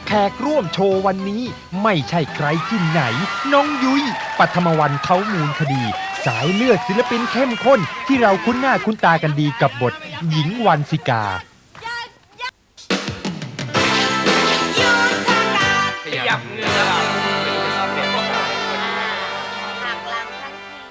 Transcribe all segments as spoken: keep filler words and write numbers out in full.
แขกร่วมโชว์วันนี้ไม่ใช่ใครที่ไหนน้องยุ้ยปฐมวรรณเขามูลคดีสายเลือดศิลปินเข้มข้นที่เราคุ้นหน้าคุ้นตากันดีกับบทหญิงวันสิกาขยับเนื้อหักหลังทัน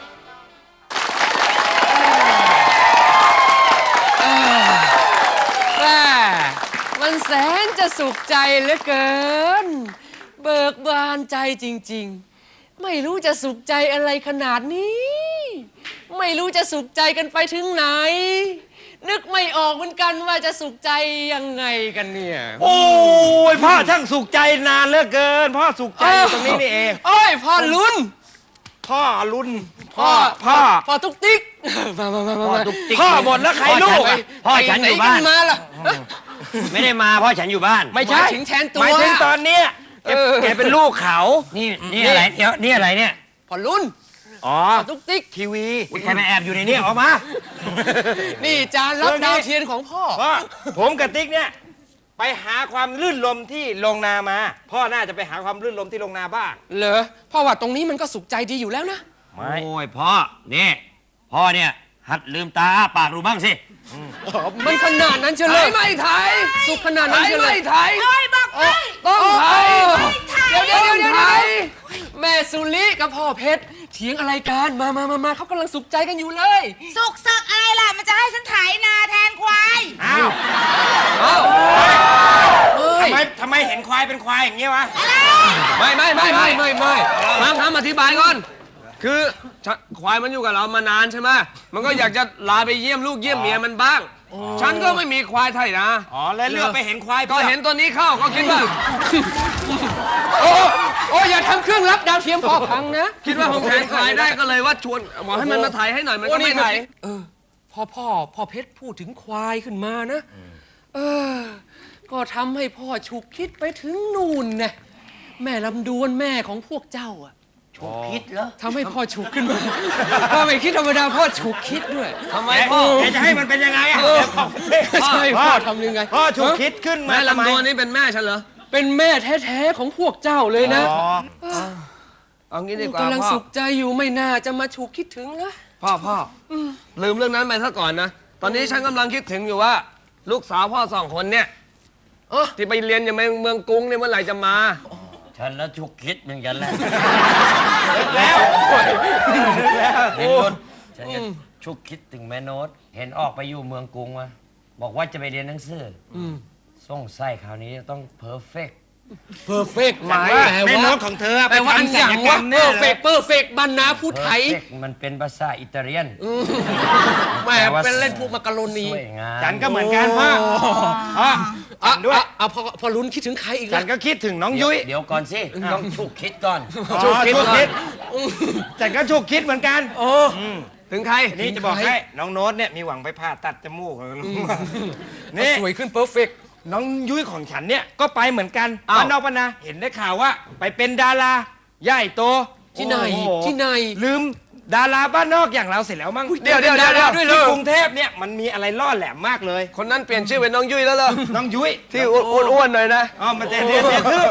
ทีมันแสนจะสุขใจเหลือเกินเบิกบานใจจริงๆไม่รู้จะสุขใจอะไรขนาดนี้ไม่รู้จะสุขใจกันไปถึงไหนนึกไม่ออกเหมือนกันว่าจะสุขใจยังไงกันเนี่ยโอ้ยพ่อช่างสุขใจนานเหลือเกินพ่อสุขใจอยู่ตรงนี้นี่เองโอ้ยพ่อลุ้นพ่อลุ้นพ่อพ่อพ่อตุ๊กติ๊กมามามามาพ่อหมดแล้วใครลูกพ่อฉันอยู่บ้านมาล่ะไม่ได้มาพ่อฉันอยู่บ้านไม่ใช่ถึงแทนตัวหมายถึงตอนเนี้ยแกเป็นลูกเขานี่นี่อะไรเดี๋ยวนี่อะไรเนี่ยพ่อลุ้นอ๋อตุ๊กติ๊กทีวีใครมาแอบอยู่ในนี้ออกมานี่จานรับดาวเทียนของพ่อพ่อผมกับติ๊กเนี่ยไปหาความลื่นลมที่โรงนามาพ่อน่าจะไปหาความลื่นลมที่โรงนาบ้างเหรอพ่อว่าตรงนี้มันก็สุขใจดีอยู่แล้วนะไม่โอ้ยพ่อนี่พ่อเนี่ยหัดลืมตาอ้าปากดูบ้างสิมันขนาดนั้นเฉลยไม่ไทยสุขขนาดนั้นเฉลยไม่ไทยโอ้ยบอกไม่ต้องไทยเดี๋ยวเดี๋ยวเดี๋ยวเดี๋ยวแม่สุริกับพ่อเพชรเถียงอะไรกันมามามามาเขากำลังสุขใจกันอยู่เลยสุกสักอะไรล่ะมันจะให้ฉันไถนาแทนควายอ้าวอ้าวทำไมทำไมเห็นควายเป็นควายอย่างเงี้ยวะไม่ไม่ไม่ไม่ไม่ไม่ฟังคำอธิบายก่อนคือควายมันอยู่กับเรามานานใช่ไหมมันก็อยากจะลาไปเยี่ยมลูกเยี่ยมเมียมันบ้างฉันก็ไม่มีควายไทยนะอ๋อแล้วเลือกไปเห็นควายก็เห็นตัวนี้เข้าก็คิดว่าโอ้โอ้อย่าทำเครื่องรับดาวเทียมพ่อพังนะคิดว่าผมแทนควายได้ก็เลยว่าชวนบอกให้มันมาถ่ายให้หน่อยมันก็ไม่ถ่ายเออพอพ่อพ่อเพชรพูดถึงควายขึ้นมานะเออก็ทำให้พ่อฉุกคิดไปถึงนู่นไงแม่ลำดวนแม่ของพวกเจ้าอ่ะฉุกคิดเหรอทำให้พ่อฉุกขึ้นมาพ่อไม่คิดธรรมดาพ่อฉุกคิดด้วยทำไมพ่อจะให้มันเป็นยังไงอ่ะใช่พ่อทำยังไงพ่อฉุกคิดขึ้นมาแม่ลำดวนนี่เป็นแม่ฉันเหรอเป็นแม่แท้ๆของพวกเจ้าเลยนะเอางี้ดีกว่ากำลังสุขใจอยู่ไม่น่าจะมาฉุกคิดถึงนะพ่อพ่อลืมเรื่องนั้นไปซะก่อนนะตอนนี้ฉันกำลังคิดถึงอยู่ว่าลูกสาวพ่อสองคนเนี่ยที่ไปเรียนอยู่ในเมืองกรุงเนี่ยเมื่อไหร่จะมาฉันแล้วฉุกคิดเหมือนกันแหละแล้วเห็นรถฉันก็ฉุกคิดถึงแม่โน้ตเห็นออกไปอยู่เมืองกรุงวะบอกว่าจะไปเรียนหนังสือส่งไส้คราวนี้ต้องเพอร์เฟกต์เพอร์เฟกต์หมายแม่โน้ตของเธอแปลว่าอันอย่างว่าเพอร์เฟกต์เพอร์เฟกต์บรรณาผู้ไทยมันเป็นภาษาอิตาเลียนแม่เป็นเล่นพวกมักกะโรนีฉันก็เหมือนกันพ่ออ่ะด้วยอ่ะพอพอลุ้นคิดถึงใครอีกฉันก็คิดถึงน้องยุ้ยเดี๋ยวก่อนสิต้องฉุกคิดก่อนฉุกคิดฉันก็ฉุกคิดเหมือนกันโอ้ถึงใครนี่จะบอกให้น้องโน้ตเนี่ยมีหวังไปผ่าตัดจมูกนี่สวยขึ้นเพอร์เฟกต์น้องยุ้ยของฉันเนี่ยก็ไปเหมือนกันบ้านนอกบ้านนาเห็นได้ข่าวว่าไปเป็นดาราใหญ่โตที่ไหนที่ไหนลืมดาราบ้านนอกอย่างเราเสร็จแล้วมั้งเดี๋ยวเดี๋ยวเดี๋ยวด้วยเลยกรุงเทพเนี่ยมันมีอะไรล่อแหลมมากเลยคนนั้นเปลี่ยนชื่อเป็นน้องยุ้ยแล้วเหรอน้องยุ้ยที่อ้วนๆหน่อยนะอ๋อมาเดี๋ยวเดี๋ยวเดี๋ยวคือ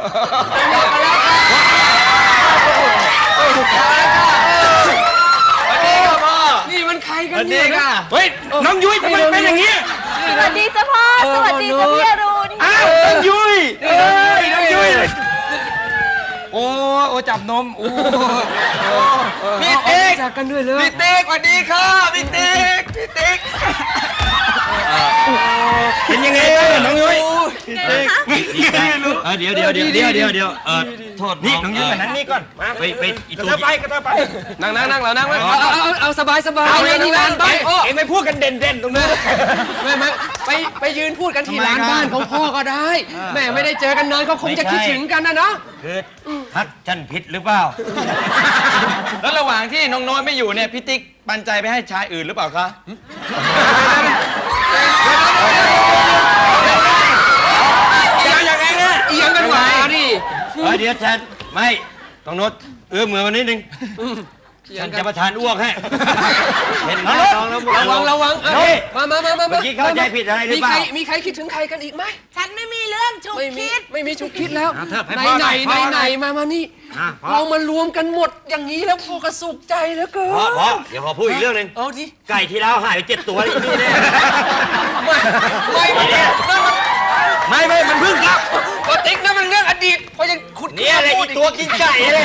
นี่มันใครกันเนี่ยเฮ้ยน้องยุ้ยทำไมเป็นอย่างนี้สวัสดีจ้ะพ่อสวัสดีจ้ะพี่อรุณอ้าวน้องยุ้ยเอ้ยน้องยุ้ยโอ้โอ้จับนมโอ้พี่ติ๊กจากกันด้วยเลยพี่ติ๊กสวัสดีค่ะพี่ติ๊กพี่ติ๊กเป็นยังไงน้องยุ้ยพี่ติ๊กเดี๋ยวเดี๋ยวเดี๋ยวเดี๋ยวเดี๋ยวเดี๋ยวเออโทษนี่น้องยุ้ยมานั่งนี่ก่อนมาไปไปกระเทาไปกระเทาไปนั่งนั่งนั่งแล้วนั่งเอาเอาเอาสบายสบายเอาเลยที่ร้านไปเอ็งไปพูดกันเด่นเด่นตรงนู้นไม่ไม่ไปไปยืนพูดกันที่ร้านบ้านของพ่อก็ได้แม่ไม่ได้เจอกันนานก็คงจะคิดถึงกันนะเนาะคือทักฉันผิดหรือเปล่าแล้วระหว่างที่น้องโน้ตไม่อยู่เนี่ยพี่ติ๊กปันใจไปให้ชายอื่นหรือเปล่าคะยังไงเนี่ยอียังกันหวาดิเดี๋ยวฉันไม่ต้องโน้ตเอื้อมมือมานิดนึงฉันจะประทานอ้วกให้ เห็นหน้าน้องแล้วระวังระวังเอ้ยมามามามาเมื่อกี้เข้าใจผิดอะไรหรือเปล่ามีใครมีใครคิดถึงใครกันอีกไหมฉันไม่มีเรื่องฉุกไม่มีคิดไม่มีฉุกคิดแล้วอ่ะเถอะให้ไหนพ่อไหนหน่อยไหนพ่อหน่อยไหนมามานี่อ่ะพ่อเรามารวมกันหมดอย่างนี้แล้วพ่อก็สุขใจเหลือเกินพอพอเดี๋ยวขอพูดอีกเรื่องหนึ่งเอาดิไก่ที่แล้วหายไปเจ็ดตัวอีกนี่แน่ไม่ไม่ไม่นั่นมันไม่ไม่มันเพิ่งกลับปกตินั่นมันเรื่องอดีตพอยังขุดเนี่ยอะไรอีกตัวกินไก่เลย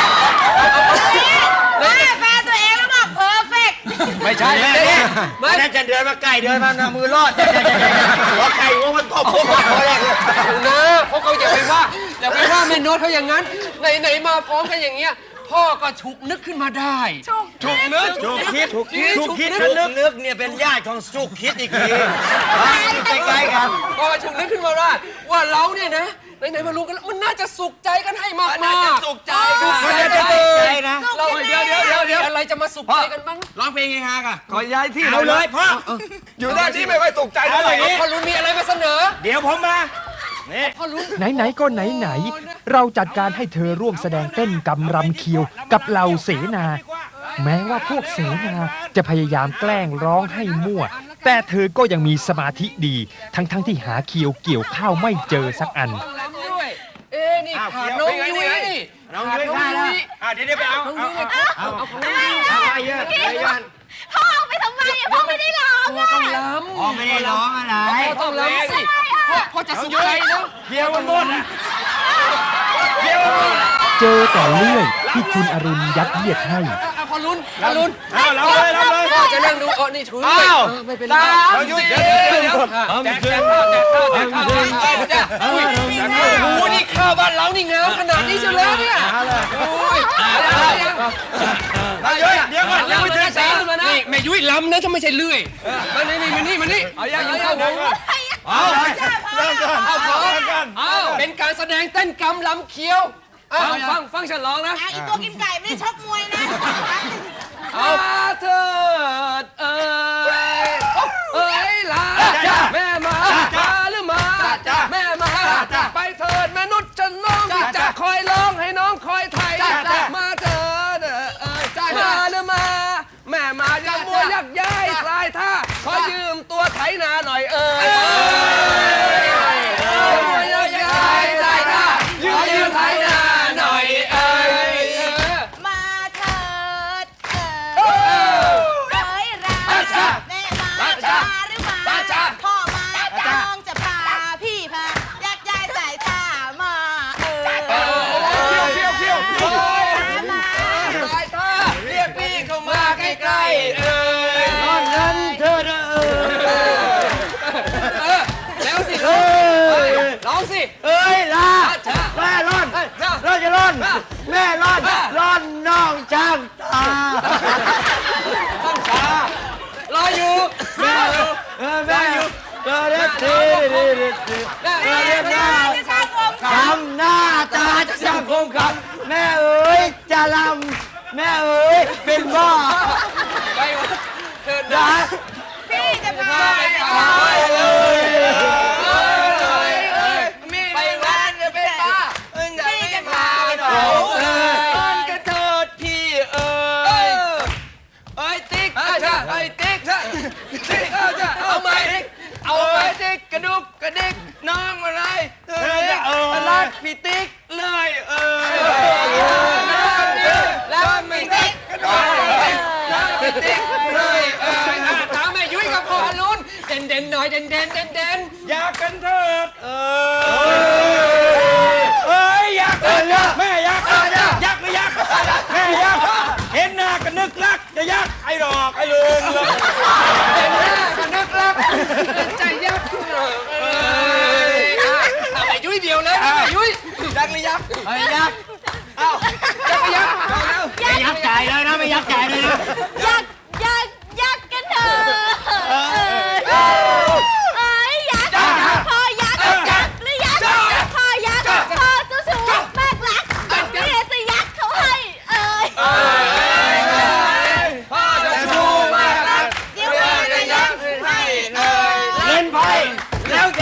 แม่แฟนตัวเองแล้วบอกเพอร์เฟกต์ไม่ใช่แม่เนี่ยไม่นั่นจะเดินมาไก่เดินมาหน้ามือรอดหัวไก่ว่ามันตบพวกมันพอแรกเลยนะพวกเขาอย่าไปว่าอย่าไปว่าแม่โน้ตเขาอย่างนั้นไหนไหนมาพร้อมกันอย่างเงี้ยพ่อก็ฉุกนึกขึ้นมาได้ฉุกฉุกนึกชุกคิดชุกคิดชุกคิดนึกนึกเนี่ยเป็นญาติของชุกคิดอีกทีใกล้ๆกันพ่อฉุกนึกขึ้นมาว่าว่าเราเนี่ยนะไหนไหนมารู้กันแล้วมันน่าจะสุขใจกันให้มากๆน่าจะสุขใจสุขใจมันจะกันสุขใจนะเราเดี๋ยวเดี๋ยวเดี๋ยวเดี๋ยวอะไรจะมาสุขใจกันบ้างร้องเพลงเฮฮาค่ะขอย้ายที่เอาเลยพ่ออยู่ด้านที่ไม่ค่อยสุขใจเท่าไหร่เอาพ่อรุนมีอะไรมาเสนอเดี๋ยวผมมานี่พ่อรุนไหนๆก็ไหนๆเราจัดการให้เธอร่วมแสดงเต้นกำรำเคียวกับเหล่าเสนา แม้ว่าพวกเสนาจะพยายามแกล้งร้องให้มั่ว แต่เธอก็ยังมีสมาธิดี ทั้งๆที่หาเคียวเกี่ยวข้าวไม่เจอสักอันต้องรำด้วย เอ๊ะนี่ขาดน้องยุ้ยนี่น้องยุ้ยฆ่าแล้วอ่ะเดี๋ยวเดี๋ยวไปเอาน้องเอายุ้ยเอาเอาของเอาน้องยุ้ยเอาไปเยอะไปเยอะพ่อเอาไปทำไมอะพ่อไม่ได้ร้องพ่ออะต้องรำพ่อไม่ได้ร้องอะไรพ่อต้องรำสิพ่อพ่อจะสุขใจแล้วเคียวมันหมดอ่ะเจอแต่เลื่อยที่คุณอรุณยัดเยียดให้อ่ะพอลุ้นพอลุ้นเอาเราเลยเราเลยพ่อจะนั่งดูอ๋อนี่ถืออ้าวเออไม่เป็นไรเราอยู่เดี๋ยวเดี๋ยวเดี๋ยวแจกแจกข้าวแจกข้าวแจกข้าวแจกข้าวแจกข้าวอุ้ยโอ้โหนี่ข้าวบ้านเรานี่งามขนาดนี้เชียวแล้วเนี่ยโอ้ยอะไรยังเราเยอะเดี๋ยวก่อนยังไม่ถึงแสนมานะนี่แม่ยุ้ยล้ำนะถ้าไม่ใช่เลื่อยมานี่นี่มานี่มานี่เอายังยังเข้าวงเอาเลยเริ่มก่อนเอาพร้อมกันเอาเป็นการแสดงเต้นกำลำเคี้ยวเอาฟังฟังฉันร้องนะอ่ะอีตัวกินไก่ไม่ได้ชกมวยนะเอาเถิดเอ้ยเอ้ยลาแม่มามาหรือมาแม่มาไปเถิดแม่นุชฉันน้องจะคอยร้องให้น้องคอยไทยมาเถิดเอ้ยมาหรือมาแม่มาอย่ามัวยักย้ายสายท่าขอยืมตัวไถนาหน่อยเอ้ยมัวยักย้ายสายท่าขอยืมไถนาหน่อยเอ้ยมาเถิดเอ่ยเอ้ยราแม่มาจ้าหรือมาพ่อมาจ้องจะพาพี่พายักย้ายสายตามาเอ่ยเคี้ยวเคี้ยวเคี้ยวมาสายตาเรียกพี่เข้ามาใกล้ๆเอ้ยตอนนั้นเธอเออเออแล้วสิลูกร้องสิเอ้ยลาจ้าแม่ร่อนจ้าร่อนจะร่อนแม่ร่อนร่อนน้องช่างตาต้องชารออยู่แม่อยู่เออแม่เธอเรียกทีดีดีดีแม่เธอเรียกหน้าจะชาผมคำหน้าตาจะช่างคมคำแม่เอ๋ยจะลำแม่เอ๋ยเป็นบ้าไปวะเถิดด่านะพี่จะพาไปไปไปเลยไปร้านจะไปป้าเอิงจะไม่พาไปหน่อยเอิงกระเถิดพี่เอ้ยเอ้ยติ๊กเอ้ยติ๊กติ๊กเอาไหมเอาไหมติ๊กกระดุกกระดิกน้องอะไรเอ้ยรักพี่ติ๊กเลยเอ้ยรักพี่ติ๊กกระดุกรักพี่ติ๊กเลยเอ้ยตามแม่ยุ้ยกับพ่อลุ้นเด่นเด่นหน่อยเด่นเด่นเด่นเด่นอยากกันเถิดเอเอ้ยอยากกันแม่อยากยักไม่ยักแม่ยักเห็นหน้าก็นึกรักจะยักไอ้ดอกไอ้ลืมเลยเด่นหน้ากันนักรักใจยักษ์เอ้ยทำไอ้ยุ้ยเดียวเลยนะยุ้ยยักษ์หรือยักษ์ไอ้ยักษ์เอ้ายักษ์ก็ยักษ์เอาแล้วไม่ยักษ์จ่ายเลยนะไม่ยักษ์จ่ายเลยนะยักยักยักกันเถอะเอ้ยเอ้ยยักพ่อยักยักหรือยักพ่อยักพ่อเจ้าชู้มากรักนี่จะยักเขาให้เอ้ยพ่อจะชูมากรักเดี๋ยวแม่จะยักให้เอ้ยเล่นไพ่แล้ว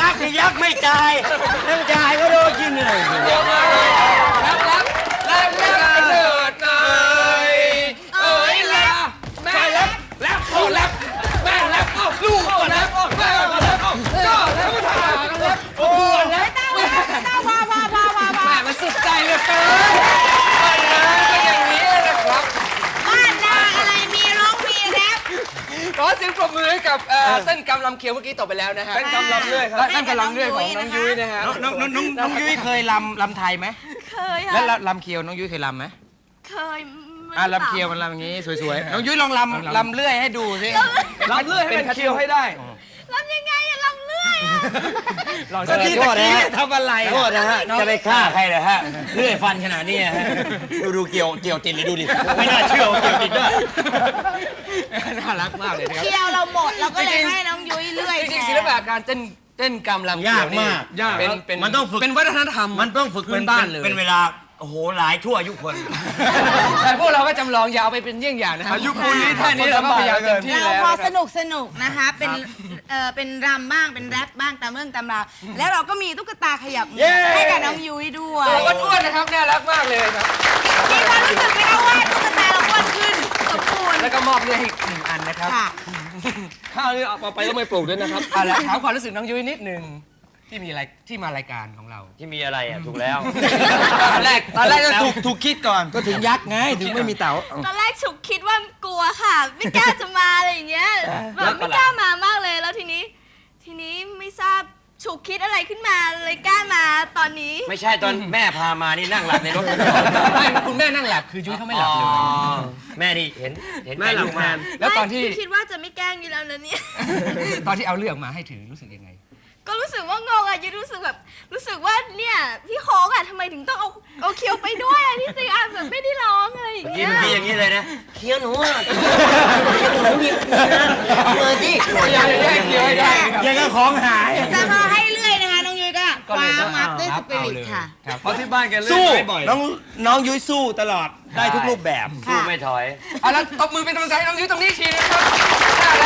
กับเอ่อเต้นกำลำเคียวเมื่อกี้ตกไปแล้วนะฮะเต้นกำลำเลื่อยครับเต้นกำลำเลื่อยของน้องยุ้ยนะฮะน้องน้องน้องน้องยุ้ยเคยลำลำไทยไหมเคยแล้วค่ะลำเคียวน้องยุ้ยเคยลำไหมเคยมันอ่ะลำเคียวมันลำอย่างนี้สวยๆ น้องยุ้ยลองลำลำเลื่อยให้ดูสิลำเลื่อยให้เป็นเคียวให้ได้ลำยังไงอะลำเลื่อยอะลองก็ที่โทตะษนะกี้ฮะทำอะไรโทษนะฮะ จะไปฆ่าใครเหรอฮะเลื่อยฟันขนาดนี้ฮะดูดูเกี่ยวเกี่ยวติดเลยดูดิ ไม่น่าเชื่อว่าเกี่ยวติดด้วยน่ารักมากเลยนะครับเที่ยวเราหมดเราก็เลยให้น้องยุ้ยเลื่อยจริงๆศิลปะการเต้นเต้นกำลำเคียาว กนี่มากยากเป็นเป็นมันต้องฝึกเป็นวัฒนธรรมมันต้องฝึกพื้เป็นนบ้านเลยเป็นเวลา โอ้โห หลายชั่วอายุคนแต่พวกเราก็จำลองอย่าเอาไปเป็นเยี่ยงอย่างนะฮะอายุปูนนี้แค่นี้เราก็พยายามเต็มที่เราแล้วพอนะคสรับนุกสนุกนะคะ เป็นเอ่อเป็นรำบ้างเป็นแรปบ้างตามเรื่องตามราวแล้วเราก็มีตุ๊กตาขยับมือให้กับน้องยุ้ยด้วยตัวอ้วนๆนะครับน่ารักมากเลยครับมีความรู้สึกไหมคะว่าตุ๊กตาเราอ้วนขึ้นสมบูรณ์แล้วก็มอบเนี่ยให้อีกหนึ่งอันนะครับค่ะข้าวนี่เอาไปก็ไม่ปลูกด้วยนะครับเอาละถามความรู้สึกน้องยุ้ยนิดหนึ่งที่มีอะไรที่มารายการของเราที่มีอะไรอ่ะ ถูกแล้วตอนแรกตอนแรกก็ถูกถูกคิดก่อน ก็ถึงยักษ์ไง ถึงไม่มีเต๋าตอนแรกฉุกคิดว่ากลัวค่ะ ไม่กล้าจะมาอะไรอย่างเงี้ยแบบไม่กล้ามามากเลย แล้วทีนี้ ทีนี้ไม่ทราบฉุกคิดอะไรขึ้นมาเลยกล้ามาตอนนี้ไม่ใช่ตอนแม่พามานี่นั่งหลับในรถไม่คุณแม่นั่งหลับคือยุ้ยเขาไม่หลับเลยอ๋อแม่นี่เห็นเห็นแม่หลับลูกแทมานแล้วตอนที่ไม่คิดว่าจะไม่แกล้งอยู่แล้วนะเนี่ยตอนที่เอาเรื่องมาให้ถือรู้สึกยังไงก็รู้สึกว่างงอะยุ้ยรู้สึกแบบรู้สึกว่าเนี่ยพี่โค้งอะทำไมถึงต้องเอาเอาเคียวไปด้วยอะที่จริงอะแบบไม่ได้ร้องอะไรอย่างเมื่อเงี้กี้ยเมื่อกี้อย่างนี้เลยนะเคี้ยวหนูอ่ะเคี้ยวหนูนี่นะเลยที่อย่าไปแย่งเคี้ยวให้ได้ครับยังก็ของหายแต่พอให้เลื่อยนะคะน้องยุ้ยก็คว้ามัดด้วยสปิริตค่ะครับเพราะที่บ้านแกเล่นสู้ไม้บ่อยน้องน้องยุ้ยสู้ตลอด ได้ทุกรูปแบบสู้ไม่ถอยเอาละตบมือเป็นกำลังใจให้น้องยุ้ยตรงนี้อีกทีนะครับน่ารัก